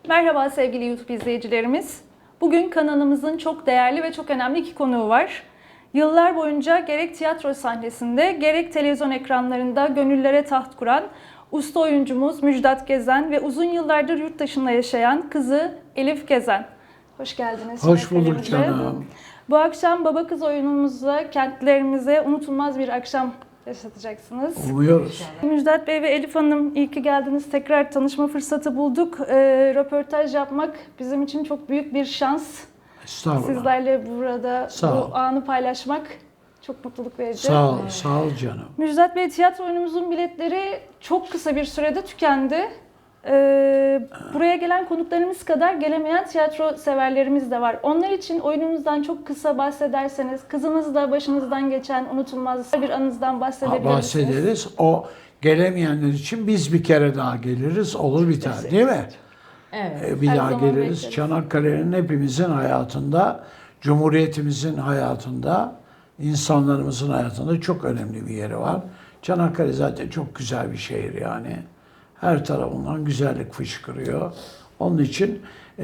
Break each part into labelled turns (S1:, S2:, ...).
S1: Merhaba sevgili YouTube izleyicilerimiz. Bugün kanalımızın çok değerli ve çok önemli iki konuğu var. Yıllar boyunca gerek tiyatro sahnesinde gerek televizyon ekranlarında gönüllere taht kuran usta oyuncumuz Müjdat Gezen ve uzun yıllardır yurt dışında yaşayan kızı Elif Gezen. Hoş geldiniz.
S2: Hoş bulduk canım.
S1: Bu akşam baba kız oyunumuzla kentlerimize unutulmaz bir akşam yaşatacaksınız.
S2: Umuyoruz.
S1: Müjdat Bey ve Elif Hanım, iyi ki geldiniz. Tekrar tanışma fırsatı bulduk. Röportaj yapmak bizim için çok büyük bir şans.
S2: Estağfurullah.
S1: Sizlerle burada
S2: Sağ ol.
S1: bu anı paylaşmak çok mutluluk verici.
S2: Sağ ol, sağ ol canım.
S1: Müjdat Bey, tiyatro oyunumuzun biletleri çok kısa bir sürede tükendi. Buraya gelen konuklarımız kadar gelemeyen tiyatro severlerimiz de var. Onlar için oyunumuzdan çok kısa bahsederseniz, kızınızla başınızdan geçen unutulmaz bir anınızdan bahsedebilir misiniz?
S2: Bahsederiz. O gelemeyenler için biz bir kere daha geliriz. Olur biter değil mi?
S3: Evet.
S2: Bir
S1: Her
S2: daha
S1: zaman
S2: geliriz.
S1: bekleriz.
S2: Çanakkale'nin hepimizin hayatında, Cumhuriyetimizin hayatında, insanlarımızın hayatında çok önemli bir yeri var. Çanakkale zaten çok güzel bir şehir yani. Her tarafından güzellik fışkırıyor. Onun için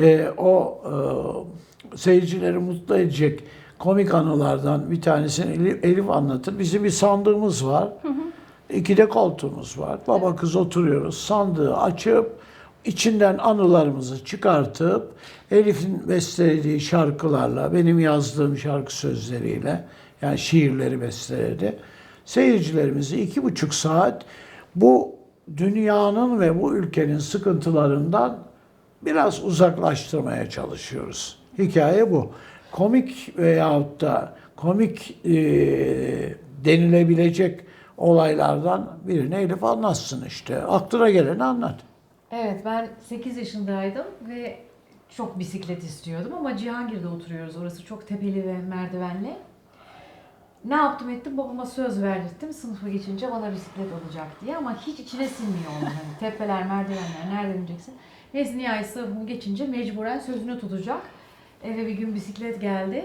S2: seyircileri mutlu edecek komik anılardan bir tanesini Elif anlatır. Bizim bir sandığımız var. İki de koltuğumuz var. Baba kız oturuyoruz. Sandığı açıp içinden anılarımızı çıkartıp Elif'in bestelediği şarkılarla, benim yazdığım şarkı sözleriyle, yani şiirleri besteledi. Seyircilerimizi 2,5 saat bu dünyanın ve bu ülkenin sıkıntılarından biraz uzaklaştırmaya çalışıyoruz. Hikaye bu. Komik veyahut da komik denilebilecek olaylardan birini Elif anlatsın işte. Aklına geleni anlat.
S3: Evet, ben 8 yaşındaydım ve çok bisiklet istiyordum ama Cihangir'de oturuyoruz. Orası çok tepeli ve merdivenli. Ne yaptım ettim, babama söz verdirttim sınıfa geçince bana bisiklet olacak diye ama hiç içine sinmiyor onun. Hani tepeler, merdivenler, nereden ineceksin? Neyse nihayet sınıfımı geçince mecburen sözünü tutacak. Eve bir gün bisiklet geldi.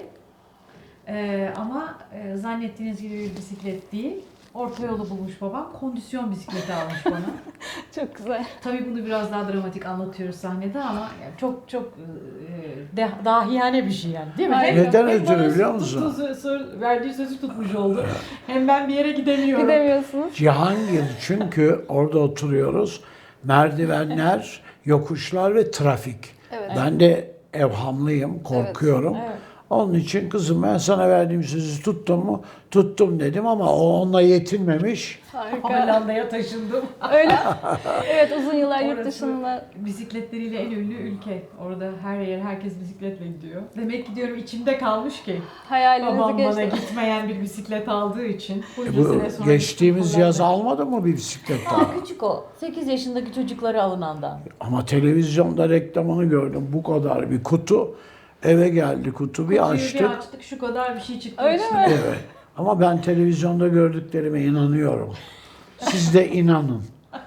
S3: Ama zannettiğiniz gibi bir bisiklet değil. Orta yolu bulmuş babam. Kondisyon bisikleti almış bana.
S1: Çok güzel.
S3: Tabii bunu biraz daha dramatik anlatıyoruz sahnede ama yani çok dahiyane bir şey yani, değil mi?
S1: Aynen.
S2: Neden
S3: Hem
S2: ötürü
S3: bana
S2: biliyor musun?
S3: verdiği sözü tutmuş oldu. Hem ben bir yere gidemiyorum.
S1: Gidemiyorsunuz.
S2: Cihangir, çünkü orada oturuyoruz. Merdivenler, yokuşlar ve trafik.
S1: Evet.
S2: Ben de evhamlıyım, korkuyorum.
S3: Evet.
S2: Onun için kızım ben sana verdiğim sözü tuttum mu? Tuttum dedim ama o onunla yetinmemiş.
S1: Harika.
S3: Hollanda'ya taşındım.
S1: Öyle. Evet, uzun yıllar yurt
S3: Orası
S1: dışında.
S3: bisikletleriyle en ünlü ülke. Orada her yer herkes bisikletle gidiyor. Demek ki diyorum içimde kalmış ki.
S1: Hayalinizi
S3: Babam bana
S1: geçti.
S3: gitmeyen bir bisiklet aldığı için. Bunca
S2: Bu
S3: sene sonra
S2: geçtiğimiz
S3: gittim
S2: yaz
S3: Hollanda'ya.
S2: almadı mı bir bisiklet daha?
S4: Daha küçük o. 8 yaşındaki çocuklara alınandan.
S2: Ama televizyonda reklamını gördüm. Bu kadar bir kutu. Eve geldi kutu, bir
S3: Kutuyu
S2: açtık.
S3: bir açtık, şu kadar bir şey çıktı.
S1: Öyle
S3: içinden.
S1: mi?
S2: Evet. Ama ben televizyonda gördüklerime inanıyorum. Siz de inanın.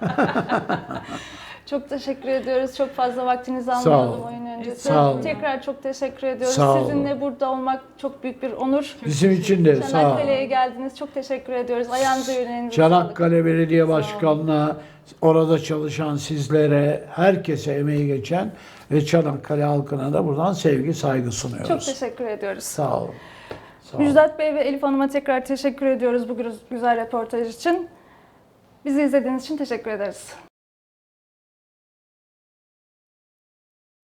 S1: Çok teşekkür ediyoruz. Çok fazla vaktinizi
S2: Sağ
S1: almayalım
S2: ol.
S1: oyun öncesi.
S2: Sağ ol.
S1: Tekrar çok teşekkür ediyoruz.
S2: Sağ ol.
S1: Sizinle burada olmak çok büyük bir onur.
S2: Bizim için de sağ ol.
S1: Çanakkale'ye geldiniz. Çok teşekkür ediyoruz. Ayağınıza yüreğinize
S2: Çanakkale Belediye
S1: Sağ olun.
S2: Başkanı'na, orada çalışan sizlere, herkese emeği geçen ve Çanakkale halkına da buradan sevgi, saygı sunuyoruz.
S1: Çok teşekkür ediyoruz.
S2: Sağ olun. Sağ olun.
S1: Müjdat Bey ve Elif Hanım'a tekrar teşekkür ediyoruz bu güzel röportaj için. Bizi izlediğiniz için teşekkür ederiz.